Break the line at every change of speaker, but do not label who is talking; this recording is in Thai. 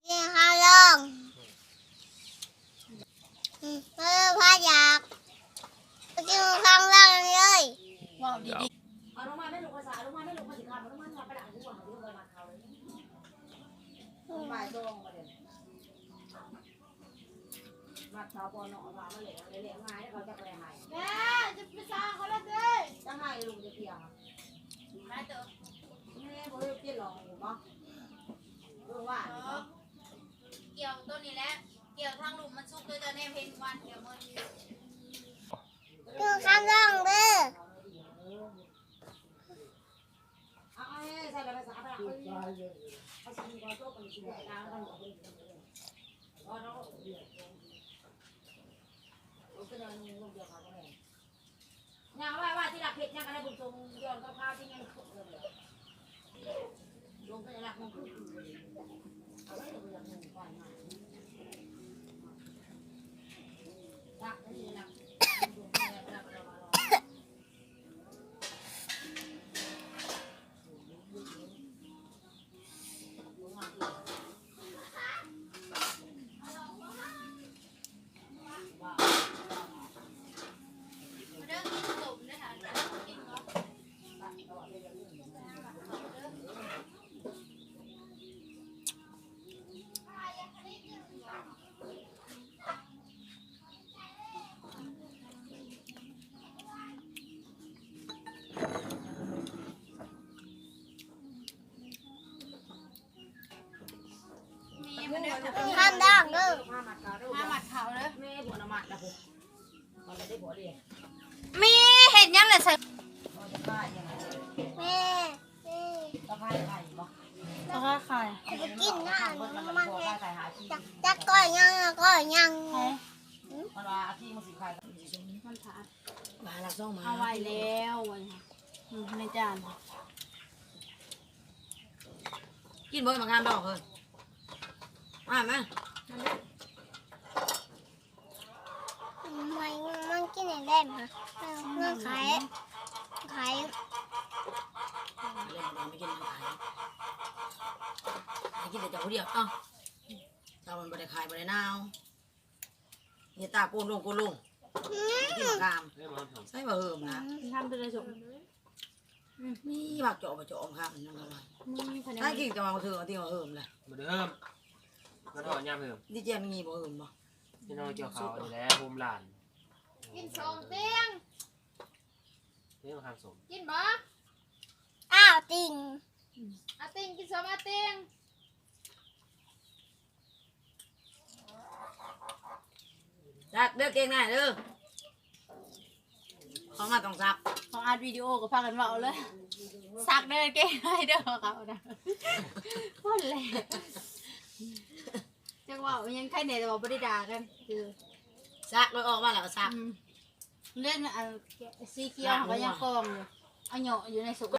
กินข้าวลงพาอยากกินข้าวลงเลย
ว้าวดีดี
เอาลงมาไม่ลงภาษาลงมาไม่ลงภาษาลงมาไปหลังหัวเขาลงมาเขาเลยบ่ายตรงมาเดี๋ยวมาเท้าปอนอมาเหลี่ยเหลี่ยง่ายเขาจะไปหาย
แม่จะไปสร้างเขาแล้วเด้
จะหายลุงจะเพียงแม่บอกให้เปลี่ยนหลอกหรือเปล่าลุงว่า
เกี่ยวตัวนี้แหละเกี่ยวทางลุมมันสุกเลยจะแน่เพนวันเดี๋ยวมัน
กินข้าวลงเด้อ
เอาใส่ภาษาไปหลังภาษาก่อนโต๊ะกันสิดาวกันอ๋อเนาะโอ้ก็เลยนุ่งลูกเดียวกันเลยยังว่าที่หลักเพชรยังอะไรบุญทรงย้อนข้าวที่ยังขุดเลยลงไปหลักมันคือเอาไว้ลงไปหลักมันก่อนมาหลักนี่หลัก
ข้าวลงเด้อ
ผ้ามัดขาด้วย
มาหมัดเขาเลย
แม่ผัวน้ำมัดนะผมมันไม่ได้ผัวเดียว
มีเห็ดยังเลยใส่
เราจะฆ่ายังไง
แม่แม่
จะฆ่าใครบ่
แล้วก็ไข่
จะกินข้าว
มัน
น้ำ
มั
มัน น
พอ
แม่
ฆ่าใครหาที่
จะก้อยยังก้อยยัง
มันว่าที่มันสิใคร
มันถาด
มาหลักซ่องมา
เอาไว้แล้ววันในจาน
กินบ่มางานดอกเลยมาไหม
มันกินได้ไหมมันขาย
เล่นมันไม่กินขายไม่กินแต่เจ้าเดียวเอ้าเจ้ามันบ่ได้ขายบ่ได้นาวนี่ตาโกนลงกินกามใส่บะเฮิมนะ
ทำไปเลยสุก
นี่บักเจาะบะเจาะครับนั่นอะไร
มีคะแน
ถ้าน กินจะมาเถื่อนที่บะเฮิมเลย
มาเดิมมาถอดยามเพิ่ม
ดิเจมีบะเฮิมบ่
พี่น้องเกี่ยวเขาอยู่แล้วภูมิหลาน
กินสองเตียง
เรื่องข้างสม
กินบ่
อ้าวติ่ง
อาติงกินสองอาติง
ซักเด้อเก่งหน่อยเด้อเขามาต้องซัก
ของอัดวิดีโอก็พากันเมาเลยสักเดินเก่งให้เด้อเขานะคนแหละจังว่ายังใครเนี่ยแต่ว่าไม่ได้ด่ากันคือ
ซักเลยออกมาแล้วก็ซัก
เล่นสีเขียวเขาก็ยังกองอยู่เอาเหยาะอยู่ในสุก